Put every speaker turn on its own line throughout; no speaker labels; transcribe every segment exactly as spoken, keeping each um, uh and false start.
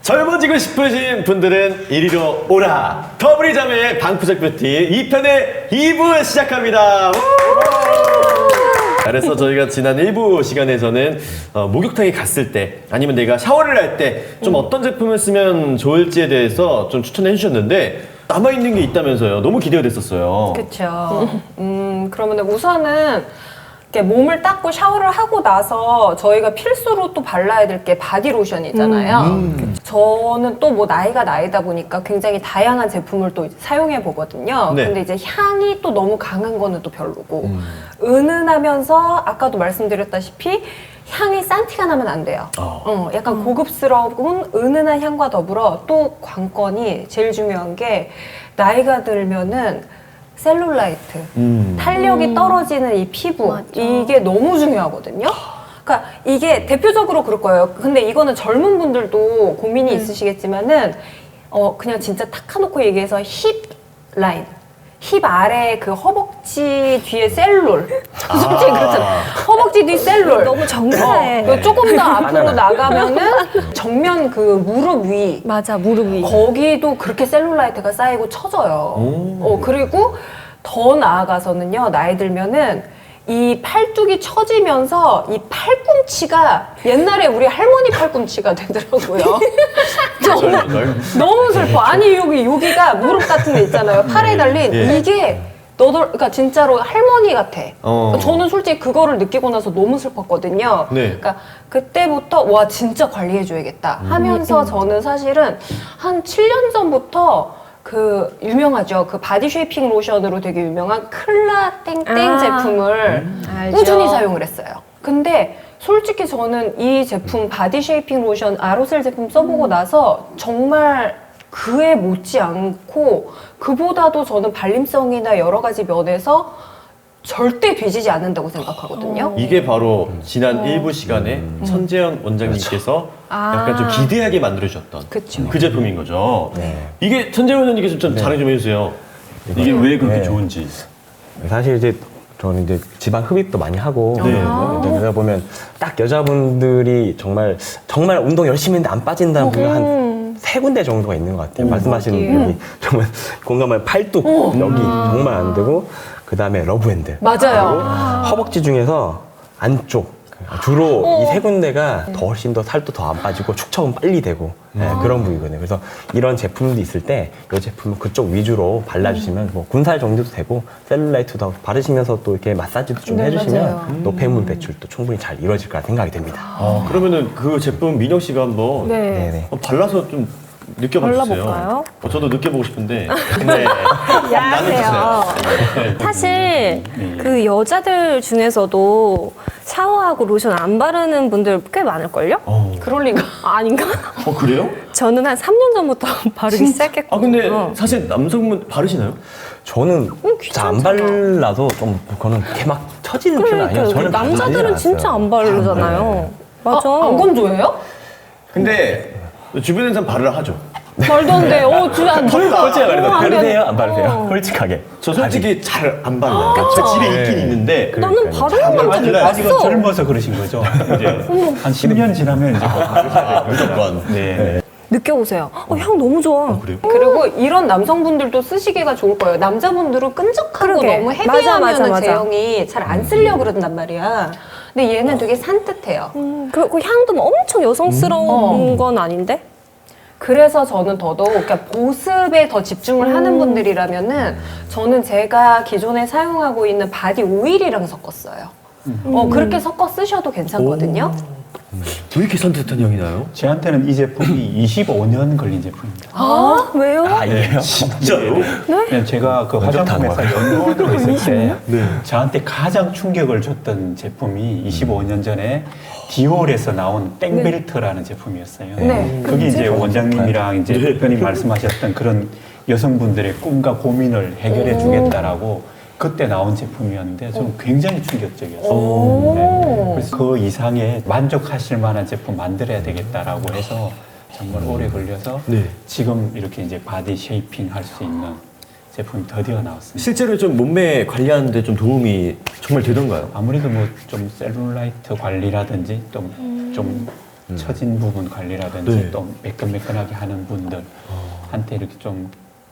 젊어지고 싶으신 분들은 이리로 오라! 더블이자매의 방구석 뷰티 이 편의 이 부 시작합니다. 그래서 저희가 지난 일 부 시간에서는 어, 목욕탕에 갔을 때 아니면 내가 샤워를 할 때 좀 어떤 제품을 쓰면 좋을지에 대해서 좀 추천해 주셨는데 남아있는 게 있다면서요. 너무 기대가 됐었어요.
그렇죠. 음, 그러면 우선은 이렇게 몸을 닦고 샤워를 하고 나서 저희가 필수로 또 발라야 될 게 바디로션이잖아요.
음.
저는 또 뭐 나이가 나이다 보니까 굉장히 다양한 제품을 또 사용해 보거든요.
네.
근데 이제 향이 또 너무 강한 거는 또 별로고
음.
은은하면서 아까도 말씀드렸다시피 향이 싼티가 나면 안 돼요.
어.
어, 약간 고급스러운 은은한 향과 더불어 또 관건이 제일 중요한 게 나이가 들면은 셀룰라이트,
음.
탄력이 떨어지는 이 피부,
맞아.
이게 너무 중요하거든요. 그러니까 이게 대표적으로 그럴 거예요. 근데 이거는 젊은 분들도 고민이 있으시겠지만은 어 그냥 진짜 탁 까놓고 얘기해서 힙 라인. 힙 아래 그 허벅지 뒤에 셀룰. 솔직히 그렇잖아. 허벅지 뒤 셀룰.
너무 정사해.
어, 조금 더 앞으로 나가면은 정면 그 무릎 위.
맞아, 무릎 위.
거기도 그렇게 셀룰라이트가 쌓이고 처져요.
오.
어, 그리고 더 나아가서는요, 나이 들면은 이 팔뚝이 처지면서 이 팔꿈치가 옛날에 우리 할머니 팔꿈치가 되더라고요. 너무, 너무 슬퍼. 아니, 여기, 여기가 무릎 같은 데 있잖아요. 팔에 달린.
예.
이게 너도, 그러니까 진짜로 할머니 같아.
어.
저는 솔직히 그거를 느끼고 나서 너무 슬펐거든요.
네.
그러니까 그때부터 와 진짜 관리해줘야겠다 하면서 저는 사실은 한 칠 년 전부터 그 유명하죠. 그 바디 쉐이핑 로션으로 되게 유명한 클라 땡땡
아,
제품을
알죠.
꾸준히 사용을 했어요. 근데 솔직히 저는 이 제품 바디 쉐이핑 로션 아로셀 제품 써보고 나서 정말 그에 못지 않고 그보다도 저는 발림성이나 여러 가지 면에서 절대 뒤지지 않는다고 생각하거든요.
이게 바로 지난
어.
일 부 시간에 천재현 원장님께서
아.
약간 좀 기대하게 만들어주셨던
그쵸.
그 제품인 거죠.
네.
이게 천재현 원장님께서 좀 자랑 좀 해주세요. 이게 왜 그렇게
네.
좋은지.
사실 이제 저는 이제 지방 흡입도 많이 하고
네.
네. 그러다 보면 딱 여자분들이 정말 정말 운동 열심히 했는데 안 빠진다는 분이 한 세 군데 정도가 있는 것 같아요. 말씀하시는
어디예요?
분이 정말 공감할 팔뚝 여기 정말 안 되고 그 다음에 러브핸드
맞아요.
허벅지 중에서 안쪽 주로 이 세 군데가 더 훨씬 더 살도 더 안 빠지고 축척은 빨리 되고 네, 그런 부위거든요. 그래서 이런 제품도 있을 때 이 제품은 그쪽 위주로 발라주시면 뭐 군살 정도도 되고 셀룰라이트도 바르시면서 또 이렇게 마사지도 좀
네,
해주시면
맞아요.
노폐물 배출도 충분히 잘 이루어질 거라 생각이 됩니다.
어, 그러면은 그 제품 민혁 씨가 한번
네.
네네.
어, 발라서 좀 느껴봐 주세요.
발라볼까요?
어, 저도 느껴보고 싶은데. 네.
야하세요.
네.
사실 그 여자들 중에서도 샤워하고 로션 안 바르는 분들 꽤 많을걸요?
어.
그럴 리가.
아, 아닌가?
어, 그래요?
저는 한 삼 년 전부터 바르기
아,
시작했거든요.
근데 사실 남성분 바르시나요?
저는 잘 안 발라서 좀 그거는 이렇게 막 처지는 편은
그러니까
아니에요. 저는
남자들은
바르진
진짜
않았어요.
안 바르잖아요. 맞아.
아, 안 건조해요?
근데 주변에 사람 바르라 하죠.
말도 안 돼. 어, 진짜 안
솔직하게
어,
말해서
안 돼.
바르세요? 안 바르세요?
어.
솔직하게.
저 솔직히 잘 안 발라요. 제 집에
네.
있긴 있는데.
나는
그러니까요.
바르는 건
아직은-
잘
아직은
봤어.
젊어서 그러신 거죠. 이제 한 십 년 지나면 이제 뭐 바르셔야 돼요.
무조건.
네.
느껴보세요. 어, 향 너무 좋아.
그래요?
그리고 이런 남성분들도 쓰시기가 좋을 거예요. 남자분들은 끈적하고
그러게.
너무
맞아,
헤비하면
맞아, 맞아.
제형이 잘 안 쓰려고 그런단 말이야. 근데 얘는 되게 산뜻해요.
음, 그, 그 향도 뭐 엄청 여성스러운
어.
건 아닌데?
그래서 저는 더더욱 그러니까 보습에 더 집중을 하는 분들이라면은 저는 제가 기존에 사용하고 있는 바디 오일이랑 섞었어요. 어, 그렇게 섞어 쓰셔도 괜찮거든요.
왜 이렇게 산뜻한 향이 나요?
저한테는 이 제품이 이십오 년 걸린 제품입니다.
아, 왜요?
아, 이게요?
진짜요?
네, 제가 그
완전
화장품회사
다르다.
연구원으로 있을 때
네.
저한테 가장 충격을 줬던 제품이 이십오 년 전에 디올에서 나온 땡벨트라는 제품이었어요.
네.
그게 이제 원장님이랑 이제
네.
대표님 말씀하셨던 그런 여성분들의 꿈과 고민을 해결해 주겠다라고 그때 나온 제품이었는데 좀 굉장히 충격적이었어요. 네. 그래서 그 이상의 만족하실 만한 제품 만들어야 되겠다라고 해서 정말 오래 걸려서
네.
지금 이렇게 이제 바디 쉐이핑 할 수 있는 제품이 드디어 나왔습니다.
실제로 좀 몸매 관리하는데 좀 도움이 정말 되던가요?
아무래도 뭐 좀 셀룰라이트 관리라든지 좀, 좀 처진 부분 관리라든지
네.
또 매끈매끈하게 하는 분들한테 이렇게 좀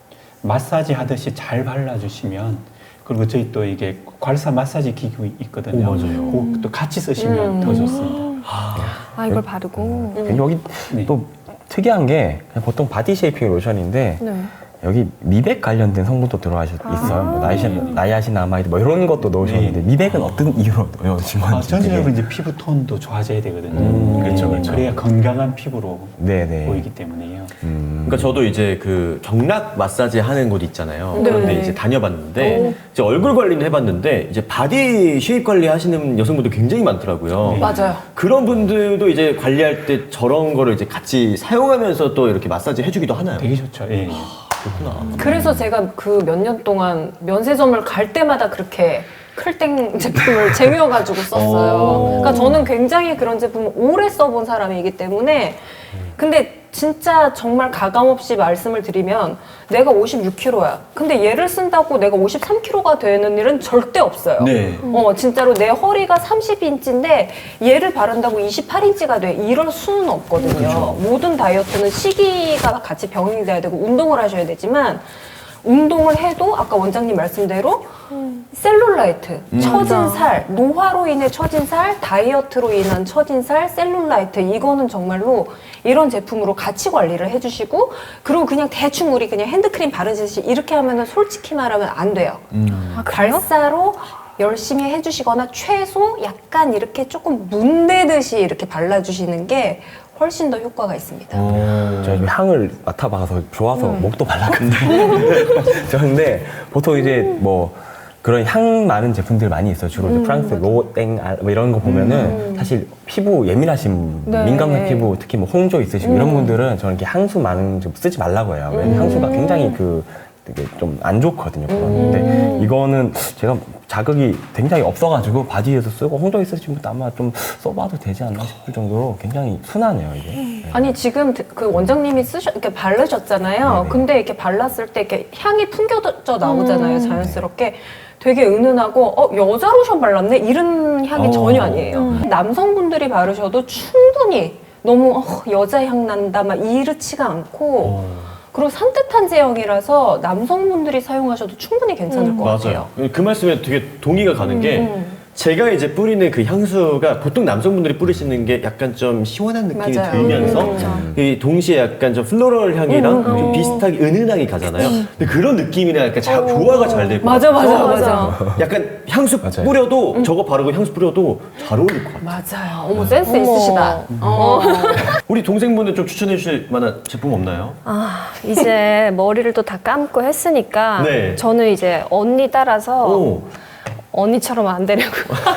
마사지 하듯이 잘 발라주시면, 그리고 저희 또 이게 괄사 마사지 기구 있거든요.
오, 맞아요.
그것도 같이 쓰시면
음.
더 좋습니다.
아, 이걸 바르고.
여기
네.
또 특이한 게 그냥 보통 바디 쉐이핑 로션인데
네.
여기 미백 관련된 성분도 들어가 있어요. 뭐 나이시, 나이아신아마이드 뭐 이런 것도 넣으셨는데
네.
미백은 어떤 이유로 넣으신 건지.
아, 전체적으로
되게-
이제 피부 톤도 좋아져야 되거든요.
음,
그렇죠, 그렇죠.
그래야 건강한 피부로
네네.
보이기 때문에요.
음.
그러니까 저도 이제 그 경락 마사지 하는 곳 있잖아요.
네.
그런데 이제 다녀봤는데 이제 얼굴 관리는 해봤는데 이제 바디 쉐입 관리 하시는 여성분들 굉장히 많더라고요.
네.
맞아요.
그런 분들도 이제 관리할 때 저런 거를 이제 같이 사용하면서 또 이렇게 마사지 해주기도 하나요?
되게 좋죠. 예.
그렇구나.
그래서 제가 그 몇 년 동안 면세점을 갈 때마다 그렇게 클땡 제품을 쟁여가지고 썼어요.
오.
그러니까 저는 굉장히 그런 제품을 오래 써본 사람이기 때문에, 근데 진짜 정말 가감없이 말씀을 드리면 내가 오십육 킬로그램야. 근데 얘를 쓴다고 내가 오십삼 킬로그램가 되는 일은 절대 없어요.
네.
어, 진짜로 내 허리가 삼십 인치인데 얘를 바른다고 이십팔 인치가 돼. 이럴 수는 없거든요. 모든 다이어트는 시기가 같이 병행돼야 되고 운동을 하셔야 되지만, 운동을 해도 아까 원장님 말씀대로 셀룰라이트, 처진 살, 노화로 인해 처진 살, 다이어트로 인한 처진 살, 셀룰라이트, 이거는 정말로 이런 제품으로 같이 관리를 해주시고, 그리고 그냥 대충 우리 그냥 핸드크림 바르듯이 이렇게 하면은 솔직히 말하면 안 돼요.
아, 그래요?
발사로 열심히 해주시거나 최소 약간 이렇게 조금 문대듯이 이렇게 발라주시는 게 훨씬 더 효과가 있습니다.
제가 좀 향을 맡아봐서 좋아서 목도 발랐거든요. 저는데 보통 이제 뭐 그런 향 많은 제품들 많이 있어요. 주로 이제 프랑스 로땡 아, 뭐 이런 거 보면은 사실 피부 예민하신
네.
민감한 피부, 특히 뭐 홍조 있으시고 이런 분들은 저는 이렇게 향수 많은 좀 쓰지 말라고 해요. 왜냐면 향수가 굉장히 그 되게 좀 안 좋거든요. 근데 이거는 제가 자극이 굉장히 없어가지고 바디에서 쓰고 홍조 있으신 분도 아마 좀 써봐도 되지 않나 싶을 정도로 굉장히 순하네요, 이게. 네.
아니 지금 그 원장님이 쓰셔 이렇게 바르셨잖아요.
네네.
근데 이렇게 발랐을 때 이렇게 향이 풍겨져 나오잖아요, 자연스럽게. 되게 은은하고 어 여자 로션 발랐네 이런 향이
어.
전혀 아니에요. 남성분들이 바르셔도 충분히 너무 어, 여자 향 난다 막 이렇지가 않고 그리고 산뜻한 제형이라서 남성분들이 사용하셔도 충분히 괜찮을 것 같아요.
맞아요. 그 말씀에 되게 동의가 가는 게
음.
제가 이제 뿌리는 그 향수가 보통 남성분들이 뿌리시는 게 약간 좀 시원한 느낌이
맞아요.
들면서
음.
이 동시에 약간 좀 플로럴 향이랑
음, 음,
좀
음.
비슷하게 은은하게 가잖아요. 근데 그런 느낌이랑 약간 자, 조화가 잘 되고
맞아 맞아 맞아
약간 향수
맞아요.
뿌려도 저거 바르고 향수 뿌려도 잘 어울릴 것 같아요.
맞아요. 어머 센스 있으시다. 어.
우리 동생분들 좀 추천해 주실 만한 제품 없나요?
아, 이제 머리를 또 다 감고 했으니까
네.
저는 이제 언니 따라서
오.
언니처럼 안 되려고.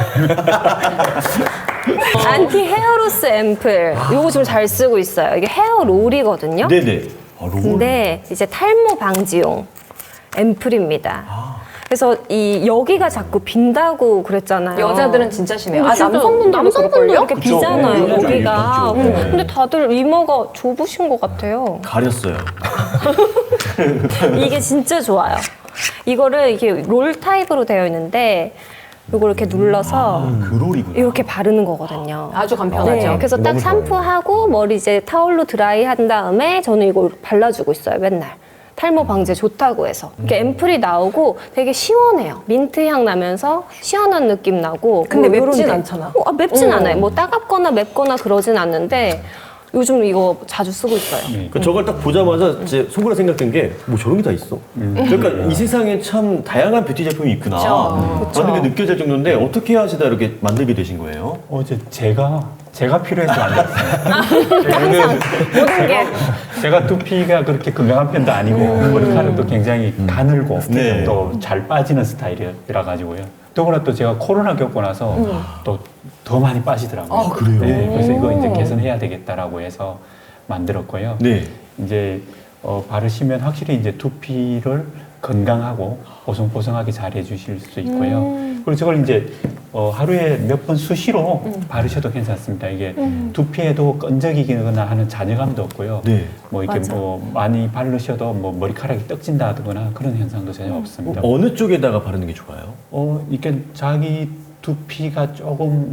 안티 헤어로스 앰플. 요거 좀 잘 쓰고 있어요. 이게 헤어롤이거든요.
네네. 아, 롤.
근데 이제 탈모 방지용 앰플입니다. 그래서 이 여기가 자꾸 빈다고 그랬잖아요.
여자들은 진짜 심해요.
근데
아
진짜
남성분들도
남성분도
그럴걸요?
이렇게
그쵸.
비잖아요.
네,
여기가.
빈죠. 네.
근데 다들 이마가 좁으신 것 같아요.
가렸어요.
이게 진짜 좋아요. 이거를 이게 롤 타입으로 되어 있는데 이걸 이렇게 눌러서
그 롤이구나.
이렇게 바르는 거거든요.
아주 간편하죠.
네, 그래서 딱
너무
샴푸하고 머리 이제 타올로 드라이 한 다음에 저는 이걸 발라주고 있어요, 맨날. 탈모 방지에 좋다고 해서. 이렇게 앰플이 나오고 되게 시원해요. 민트 향 나면서 시원한 느낌 나고.
근데
뭐
맵진
요런데.
않잖아.
어, 아, 맵진
음.
않아요. 뭐 따갑거나 맵거나 그러진 않는데 요즘 이거 자주 쓰고 있어요.
네.
그 저걸 딱 보자마자 제 속으로 생각된 게 뭐 저런 게 다 있어. 그러니까 이 세상에 참 다양한 뷰티 제품이 있구나.
그쵸.
라는 게 느껴질 정도인데 어떻게 하시다 이렇게 만들게 되신 거예요?
어제 제가 제가 필요해서 만들었어요.
모든 게.
제가 두피가 그렇게 건강한 편도 아니고 머리카락도 굉장히 가늘고
네.
또 잘 빠지는 스타일이라 가지고요. 더구나 또 제가 코로나 겪고 나서 또 더 많이 빠지더라고요.
아, 그래요?
네, 그래서 이거 이제 개선해야 되겠다라고 해서 만들었고요.
네.
이제 어, 바르시면 확실히 이제 두피를 건강하고 보송보송하게 잘 해주실 수 있고요. 그리고 저걸 이제 어, 하루에 몇 번 수시로 바르셔도 괜찮습니다. 이게 두피에도 끈적이거나 하는 잔여감도 없고요.
네.
뭐 이렇게
맞아.
뭐 많이 바르셔도 뭐 머리카락이 떡진다거나 그런 현상도 전혀 없습니다.
어느 쪽에다가 바르는 게 좋아요?
어, 이게 자기 두피가 조금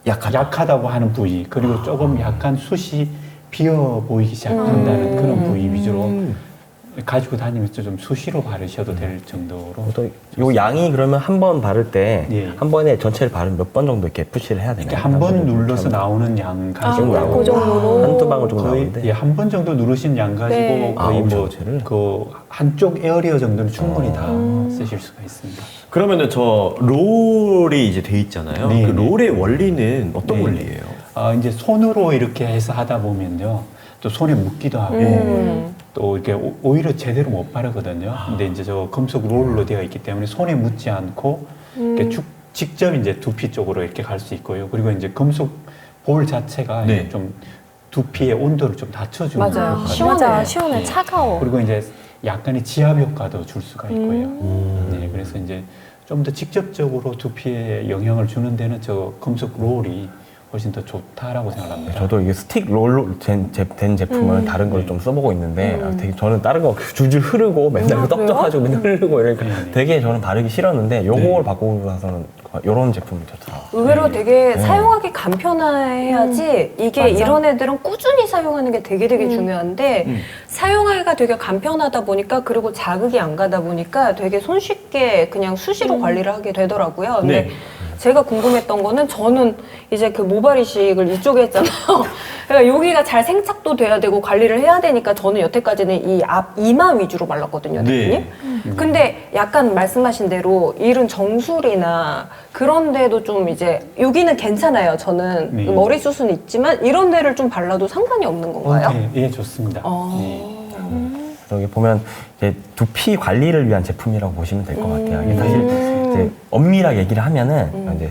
약하다.
약하다고 하는 부위 그리고 조금 약간 숱이 비어 보이기 시작한다는 그런 부위 위주로 가지고 다니면서 좀 수시로 바르셔도 될 정도로
또 요 양이 그러면 한 번 바를 때 한
예.
번에 전체를 바르면 몇 번 정도 이렇게 푸시를 해야 되나요?
이렇게 한 번 눌러서 나오는 양 가지고
아,
그 정도로?
한두 방울 정도
거의
나오는데
예, 한 번 정도 누르신 양 가지고
네.
거의
아,
뭐
전체를?
그 한쪽 에어리어 정도는 충분히 다 쓰실 수가 있습니다.
그러면은 저 롤이 이제 돼 있잖아요.
네,
그
네.
롤의 원리는 어떤
네.
원리예요?
아, 이제 손으로 이렇게 해서 하다 보면요. 또 손에 묻기도 하고
음.
또 이렇게 오- 오히려 제대로 못 바르거든요. 근데 이제 저 금속 롤로 되어 있기 때문에 손에 묻지 않고 이렇게 쭉 직접 이제 두피 쪽으로 이렇게 갈 수 있고요. 그리고 이제 금속 볼 자체가
네.
이제 좀 두피의 온도를 좀 낮춰주는
맞아요.
역할을
시원해.
맞아, 시원해,
네.
차가워.
그리고 이제 약간의 지압 효과도 줄 수가 있고요.
음.
네, 그래서 이제 좀 더 직접적으로 두피에 영향을 주는 데는 저 금속 롤이 훨씬 더 좋다라고 생각합니다.
저도 이게 스틱 롤로 된, 제, 된 제품을
음.
다른 걸 좀 써보고 있는데 아, 되게 저는 다른 거 줄줄 흐르고 맨날
아,
떡져가지고 맨날 흐르고 이러니까
네, 네.
되게 저는 바르기 싫었는데 요걸
네.
바꾸고 나서는 이런 제품이 좋다.
의외로 되게
네.
사용하기 간편해야지 이게
맞아.
이런 애들은 꾸준히 사용하는 게 되게 되게
음.
중요한데
음.
사용하기가 되게 간편하다 보니까 그리고 자극이 안 가다 보니까 되게 손쉽게 그냥 수시로 관리를 하게 되더라고요. 근데
네.
제가 궁금했던 거는 저는 이제 그 모발 이식을 이쪽에 했잖아요. 그러니까 여기가 잘 생착도 돼야 되고 관리를 해야 되니까 저는 여태까지는 이 앞 이마 위주로 발랐거든요, 대표님.
네.
근데 약간 말씀하신 대로 이런 정수리나 그런 데도 좀 이제 여기는 괜찮아요. 저는
네.
머리숱은 있지만 이런 데를 좀 발라도 상관이 없는 건가요?
네, 예, 좋습니다.
어.
네.
여기 보면 이제 두피 관리를 위한 제품이라고 보시면 될 것 같아요. 이게 사실
음.
이제 엄밀하게 얘기를 하면은 이제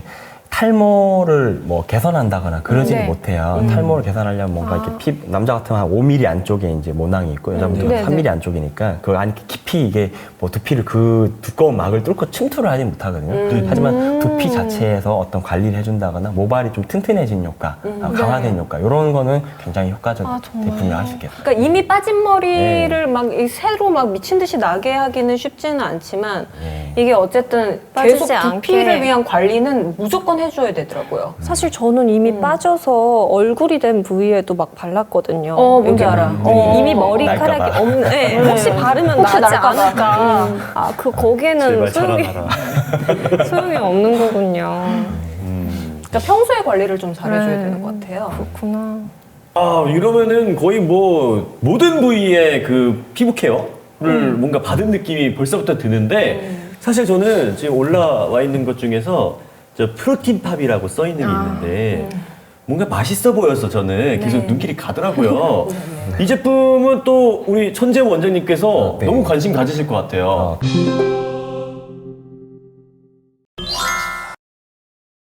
탈모를 뭐 개선한다거나 그러지는
네.
못해요. 탈모를 개선하려면 뭔가 이렇게 피, 남자 같으면 한 오 밀리미터 안쪽에 이제 모낭이 있고 여자분들은
네,
삼 밀리미터 안쪽이니까 그 안에 깊이 이게 뭐 두피를 그 두꺼운 막을 뚫고 침투를 하지 못하거든요. 하지만 두피 자체에서 어떤 관리를 해준다거나 모발이 좀 튼튼해진 효과, 아, 강화된 효과 이런 거는 굉장히 효과적
아, 정말.
제품이라고 할 수 있겠어요.
그러니까 이미 빠진 머리를
네.
막 이 새로 막 미친 듯이 나게 하기는 쉽지는 않지만
네.
이게 어쨌든
빠지지
계속
않게.
두피를 위한 관리는 무조건 해줘야 되더라고요.
사실 저는 이미 빠져서 얼굴이 된 부위에도 막 발랐거든요.
어, 뭔지
여기
알아.
이-
어.
이미 머리카락이
날까봐.
없는, 네, 혹시 바르면
혹시
나지
날까봐.
않을까. 아, 그, 거기에는
제발
소용이,
자라나라.
소용이 없는 거군요.
그러니까 평소에 관리를 좀 잘해줘야
네.
되는 것 같아요.
그렇구나.
아, 이러면은 거의 뭐 모든 부위의 그 피부 케어를 뭔가 받은 느낌이 벌써부터 드는데 사실 저는 지금 올라와 있는 것 중에서 저 프로틴 팝이라고 써 있는 게 있는데 뭔가 맛있어 보여서 저는 계속
네.
눈길이 가더라고요. 이 제품은 또 우리 천재 원장님께서
네.
너무 관심 가지실 것 같아요.
어,